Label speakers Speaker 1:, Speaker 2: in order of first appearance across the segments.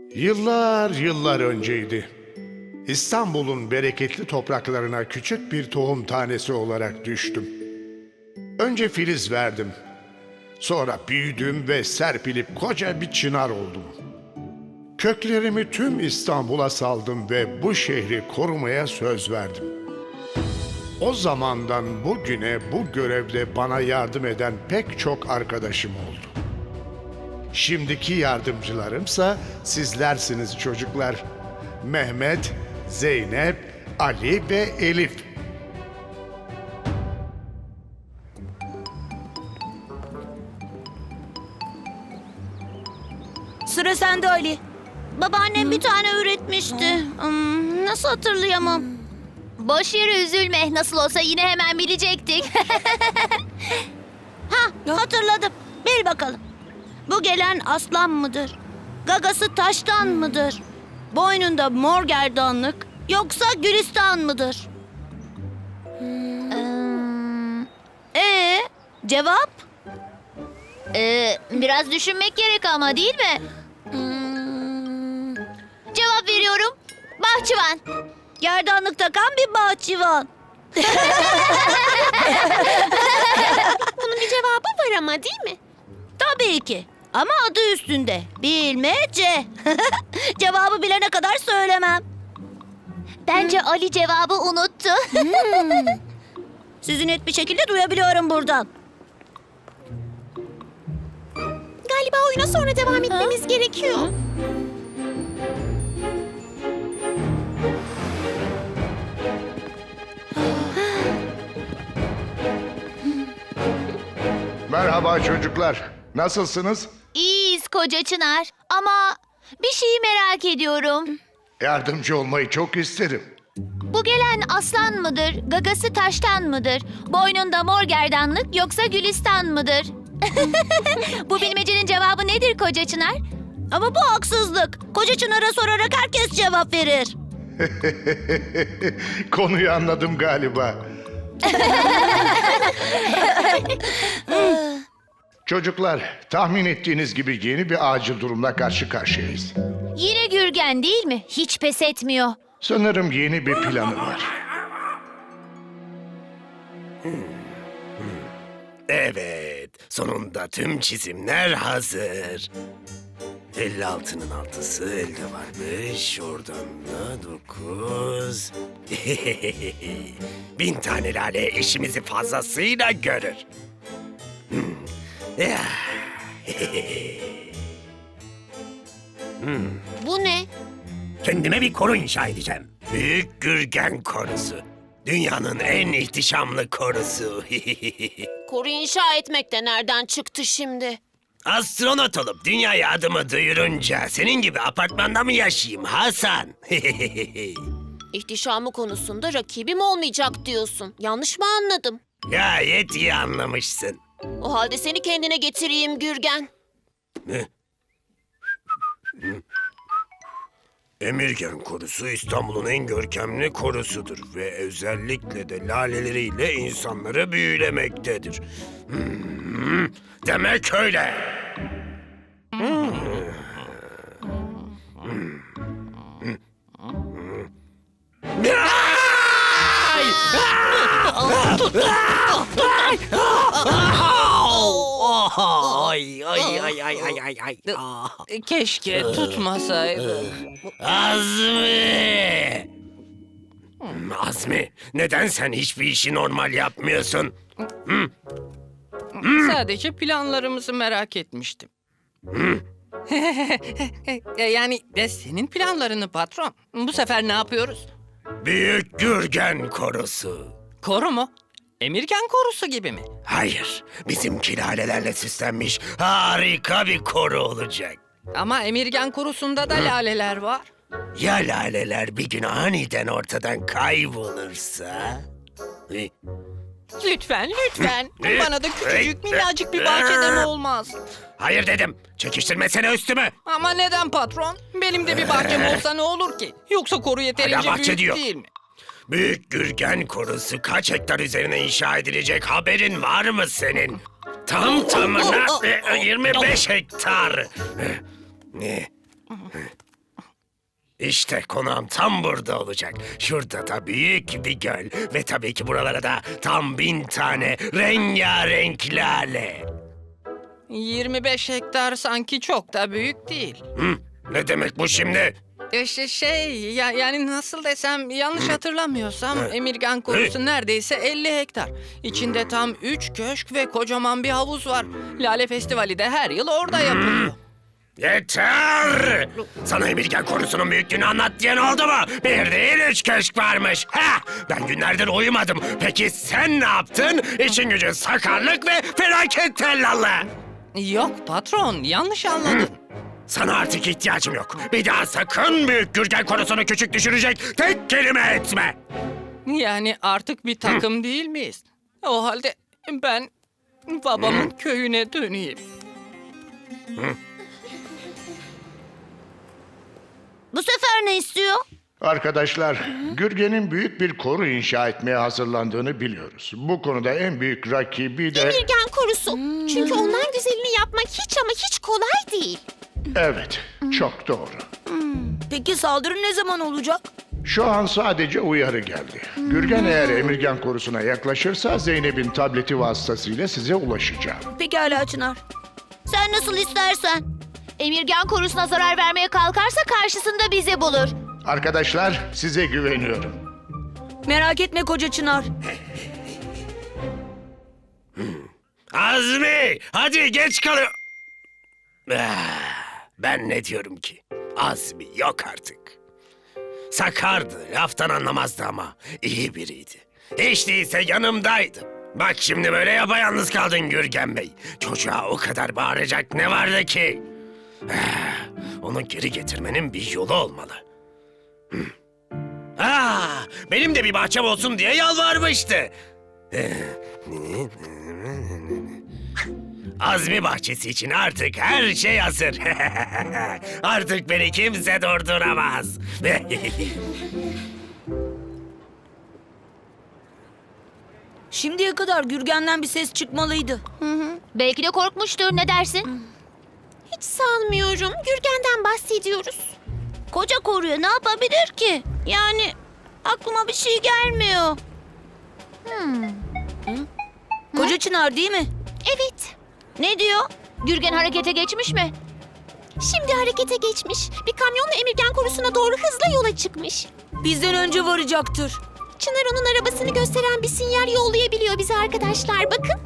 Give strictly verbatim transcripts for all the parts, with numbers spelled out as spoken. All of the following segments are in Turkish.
Speaker 1: Yıllar yıllar önceydi. İstanbul'un bereketli topraklarına küçük bir tohum tanesi olarak düştüm. Önce filiz verdim. Sonra büyüdüm ve serpilip koca bir çınar oldum. Köklerimi tüm İstanbul'a saldım ve bu şehri korumaya söz verdim. O zamandan bugüne bu görevde bana yardım eden pek çok arkadaşım oldu. Şimdiki yardımcılarımsa sizlersiniz çocuklar. Mehmet, Zeynep, Ali ve Elif.
Speaker 2: Sıra sende Ali. Babaannem bir tane üretmişti. Hmm, nasıl hatırlayamam?
Speaker 3: Boş yere üzülme. Nasıl olsa yine hemen bilecektik.
Speaker 2: Ha, hatırladım. Bil bakalım. Bu gelen aslan mıdır? Gagası taştan mıdır? Boynunda mor gerdanlık yoksa gülistan mıdır?
Speaker 3: Hmm,
Speaker 2: Ee, cevap?
Speaker 3: ee, biraz düşünmek gerek ama değil mi? Hmm, cevap veriyorum. Bahçıvan.
Speaker 2: Gerdanlık takan bir bahçıvan.
Speaker 3: Bunun bir cevabı var ama değil mi?
Speaker 2: Tabii ki. Ama adı üstünde. Bilmece. Cevabı bilene kadar söylemem.
Speaker 3: Bence Ali cevabı unuttu.
Speaker 2: Sizi net bir şekilde duyabiliyorum buradan.
Speaker 3: Galiba oyuna sonra devam etmemiz gerekiyor.
Speaker 1: Merhaba çocuklar. Nasılsınız?
Speaker 3: İyiyiz koca Çınar. Ama bir şeyi merak ediyorum.
Speaker 1: Yardımcı olmayı çok isterim.
Speaker 3: Bu gelen aslan mıdır, gagası taştan mıdır, boynunda mor gerdanlık yoksa gülistan mıdır? Bu bilmecenin cevabı nedir koca Çınar?
Speaker 2: Ama bu haksızlık. Koca Çınar'a sorarak herkes cevap verir.
Speaker 1: Konuyu anladım galiba. Çocuklar, tahmin ettiğiniz gibi yeni bir acil durumla karşı karşıyayız.
Speaker 3: Yine Gürgen değil mi? Hiç pes etmiyor.
Speaker 1: Sanırım yeni bir planı var.
Speaker 4: Evet, sonunda tüm çizimler hazır. elli altının altısı elde varmış, oradan da dokuz. Bin tane lale işimizi fazlasıyla görür. Hmm. Ya.
Speaker 3: Bu ne?
Speaker 4: Kendime bir koru inşa edeceğim. Büyük Gürgen Korusu. Dünyanın en ihtişamlı korusu.
Speaker 5: Koru inşa etmek de nereden çıktı şimdi?
Speaker 4: Astronot olup dünyaya adımı duyurunca senin gibi apartmanda mı yaşayayım Hasan?
Speaker 5: İhtişamı konusunda rakibim olmayacak diyorsun. Yanlış mı anladım?
Speaker 4: Gayet iyi anlamışsın.
Speaker 5: O halde seni kendine getireyim Gürgen.
Speaker 4: Emirgen Korusu İstanbul'un en görkemli korusudur ve özellikle de laleleriyle insanları büyülemektedir. Hmm, demek öyle. Ay ay ay ay ay ay ay. Ah.
Speaker 6: Keşke tutmasaydı.
Speaker 4: Azmi! Hmm, Azmi, neden sen hiçbir işi normal yapmıyorsun?
Speaker 6: Sadece planlarımızı merak etmiştim. E, yani de senin planlarını patron. Bu sefer ne yapıyoruz?
Speaker 4: Büyük Gürgen Korusu.
Speaker 6: Koru mu? Emirgen korusu gibi mi?
Speaker 4: Hayır, bizimki lalelerle süslenmiş harika bir koru olacak.
Speaker 6: Ama Emirgen korusunda da laleler var.
Speaker 4: Ya laleler bir gün aniden ortadan kaybolursa? Eh,
Speaker 6: Lütfen, lütfen.
Speaker 4: Hı.
Speaker 6: Bana da küçücük minnacık bir bahçeden olmaz.
Speaker 4: Hayır dedim, çekiştirmesene üstümü.
Speaker 6: Ama neden patron? Benim de bir bahçem olsa ne olur ki? Yoksa koru yeterince
Speaker 4: Hala bahçe
Speaker 6: büyük
Speaker 4: diyor.
Speaker 6: değil mi?
Speaker 4: Büyük Gürgen Korusu kaç hektar üzerine inşa edilecek haberin var mı senin? Tam tamına e, yirmi beş hektar. E, e, İşte konağım tam burada olacak. Şurada da büyük bir göl. Ve tabii ki buralara da tam bin tane rengarenk lale.
Speaker 6: yirmi beş hektar sanki çok da büyük değil.
Speaker 4: Hı? Ne demek bu şimdi?
Speaker 6: E, şey, şey ya, yani nasıl desem yanlış hatırlamıyorsam Emirgan korusu neredeyse elli hektar. İçinde tam üç köşk ve kocaman bir havuz var. Lale Festivali de her yıl orada yapılıyor.
Speaker 4: Yeter! Sana Emirgan korusunun büyüklüğünü anlat diyen oldu mu? Bir değil üç köşk varmış. Ha! Ben günlerdir uyumadım. Peki sen ne yaptın? İşin gücün sakarlık ve felaket tellallı.
Speaker 6: Yok patron, yanlış anladın.
Speaker 4: Sana artık ihtiyacım yok. Bir daha sakın büyük Gürgen konusunu küçük düşürecek tek kelime etme.
Speaker 6: Yani artık bir takım değil miyiz? O halde ben babamın köyüne döneyim.
Speaker 2: Bu sefer ne istiyor?
Speaker 1: Arkadaşlar, Gürgen'in büyük bir koru inşa etmeye hazırlandığını biliyoruz. Bu konuda en büyük rakibi de...
Speaker 5: Emirgan korusu. Çünkü ondan güzelini yapmak hiç ama hiç kolay değil.
Speaker 1: Evet, çok doğru.
Speaker 2: Peki saldırı ne zaman olacak?
Speaker 1: Şu an sadece uyarı geldi. Gürgen eğer Emirgan korusuna yaklaşırsa Zeynep'in tableti vasıtasıyla size ulaşacağım.
Speaker 2: Pekala Çınar. Sen nasıl istersen.
Speaker 3: Emirgan korusuna zarar vermeye kalkarsa karşısında bizi bulur.
Speaker 1: Arkadaşlar, size güveniyorum.
Speaker 2: Merak etme koca Çınar.
Speaker 4: Azmi! Hadi geç kalıyor. Ah, ben ne diyorum ki? Azmi yok artık. Sakardı, laftan anlamazdı ama iyi biriydi. Hiç değilse yanımdaydı. Bak şimdi böyle yapayalnız kaldın Gürgen Bey. Çocuğa o kadar bağıracak ne vardı ki? Ah, onu geri getirmenin bir yolu olmalı. Hmm. Ah, benim de bir bahçem olsun diye yalvarmıştı. Azmi bahçesi için artık her şey hazır. Artık beni kimse durduramaz.
Speaker 2: Şimdiye kadar Gürgen'den bir ses çıkmalıydı.
Speaker 3: Belki de korkmuştur. Ne dersin?
Speaker 5: Hiç sanmıyorum. Gürgen'den bahsediyoruz.
Speaker 2: Koca koruya ne yapabilir ki? Yani aklıma bir şey gelmiyor. Hı? Koca Çınar değil mi?
Speaker 5: Evet.
Speaker 2: Ne diyor?
Speaker 3: Gürgen harekete geçmiş mi?
Speaker 5: Şimdi harekete geçmiş. Bir kamyonla Emirgan korusuna doğru hızla yola çıkmış.
Speaker 2: Bizden önce varacaktır.
Speaker 5: Çınar onun arabasını gösteren bir sinyal yollayabiliyor bize arkadaşlar. Bakın.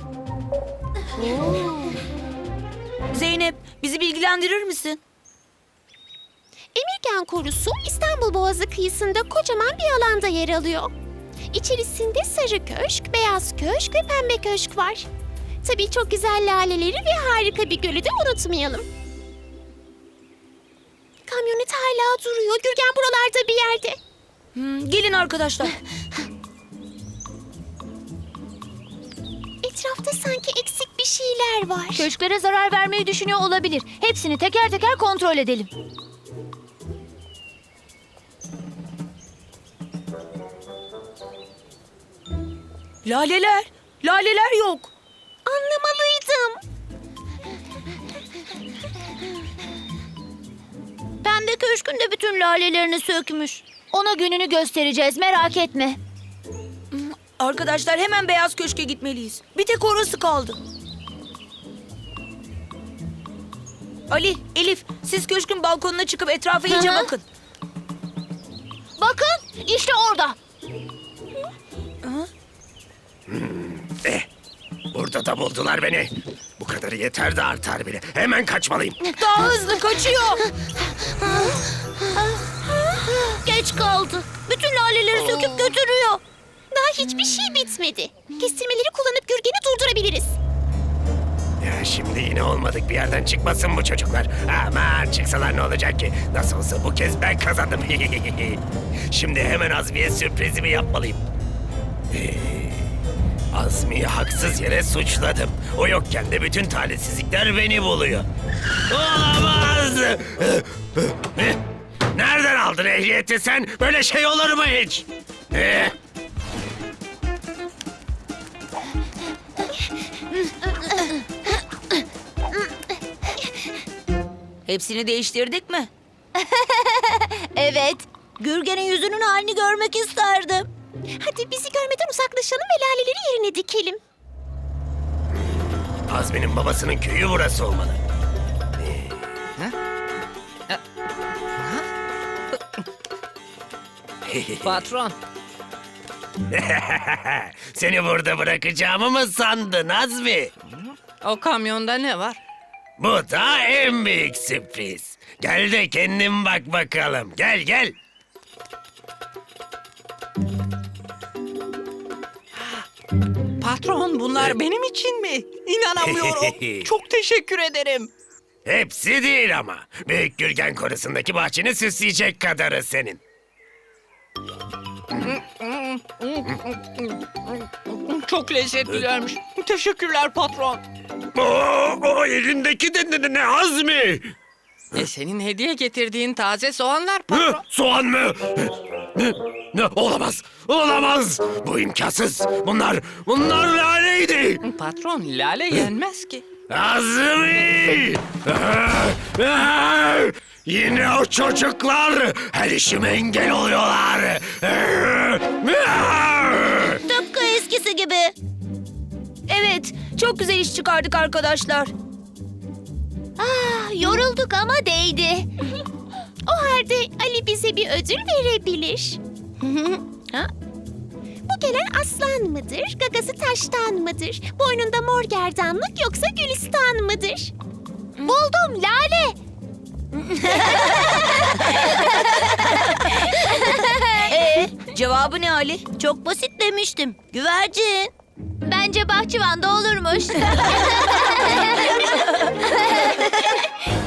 Speaker 2: Zeynep, bizi bilgilendirir misin?
Speaker 5: Emirgan korusu İstanbul Boğazı kıyısında kocaman bir alanda yer alıyor. İçerisinde sarı köşk, beyaz köşk ve pembe köşk var. Tabii çok güzel laleleri ve harika bir gölü de unutmayalım. Kamyonet hala duruyor. Gürgen buralarda bir yerde.
Speaker 2: Hmm, gelin arkadaşlar.
Speaker 5: Etrafta sanki eksik bir şeyler var.
Speaker 3: Köşklere zarar vermeyi düşünüyor olabilir. Hepsini teker teker kontrol edelim.
Speaker 2: Laleler, laleler yok.
Speaker 5: Anlamalıydım.
Speaker 2: Pembe köşkün de bütün lalelerini sökmüş.
Speaker 3: Ona gününü göstereceğiz. Merak etme.
Speaker 2: Arkadaşlar hemen beyaz köşke gitmeliyiz. Bir tek orası kaldı. Ali, Elif, siz köşkün balkonuna çıkıp etrafa iyice
Speaker 3: Hı hı.
Speaker 2: bakın.
Speaker 3: Bakın işte orada.
Speaker 4: Eh, burada da buldular beni. Bu kadarı yeter de artar bile. Hemen kaçmalıyım.
Speaker 2: Daha hızlı kaçıyor. Geç kaldı. Bütün laleleri söküp götürüyor.
Speaker 5: Daha hiçbir şey bitmedi. Kestirmeleri kullanıp Gürgen'i durdurabiliriz.
Speaker 4: Ya şimdi yine olmadık bir yerden çıkmasın bu çocuklar. Aman çıksalar ne olacak ki? Nasıl olsa bu kez ben kazandım. Şimdi hemen Azmi'ye sürprizimi yapmalıyım. Ee, Azmi'yi haksız yere suçladım. O yokken de bütün talihsizlikler beni buluyor. Olamaz! Nereden aldın ehliyeti sen? Böyle şey olur mu hiç? Ee,
Speaker 2: Hepsini değiştirdik mi?
Speaker 3: Evet.
Speaker 2: Gürgen'in yüzünün halini görmek isterdim.
Speaker 5: Hadi bizi görmeden uzaklaşalım ve laleleri yerine dikelim.
Speaker 4: Azmi'nin babasının köyü burası olmalı.
Speaker 6: Patron,
Speaker 4: Seni burada bırakacağımı mı sandın Azmi?
Speaker 6: o kamyonda ne var?
Speaker 4: Bu da en büyük sürpriz. Gel de kendin bak bakalım. Gel gel.
Speaker 6: Patron, bunlar benim için mi? İnanamıyorum. Çok teşekkür ederim.
Speaker 4: Hepsi değil ama. Büyük Gürgen Korusu'ndaki bahçeni süsleyecek kadarı senin.
Speaker 6: Çok lezzetlilermiş. Teşekkürler patron.
Speaker 4: Oo, o elindeki de ne, ne Azmi?
Speaker 6: E senin hediye getirdiğin taze soğanlar
Speaker 4: Hı,
Speaker 6: patron.
Speaker 4: soğan mı? Ne, ne, olamaz, olamaz. Bu imkansız. Bunlar, bunlar laleydi.
Speaker 6: Patron, lale yenmez ki.
Speaker 4: Azmi! Ah, ah! Yine o çocuklar her işime engel oluyorlar. Ah!
Speaker 2: Tıpkı eskisi gibi. Evet, çok güzel iş çıkardık arkadaşlar.
Speaker 3: Ah, yorulduk ama değdi.
Speaker 5: O halde Ali bize bir ödül verebilir.
Speaker 2: Ha?
Speaker 5: Bu gelen aslan mıdır, gagası taştan mıdır? Boynunda mor gerdanlık yoksa gülistan mıdır?
Speaker 3: Buldum, lale.
Speaker 2: Ee, cevabı ne Ali? Çok basit demiştim. Güvercin.
Speaker 3: Bence bahçıvanda olurmuş.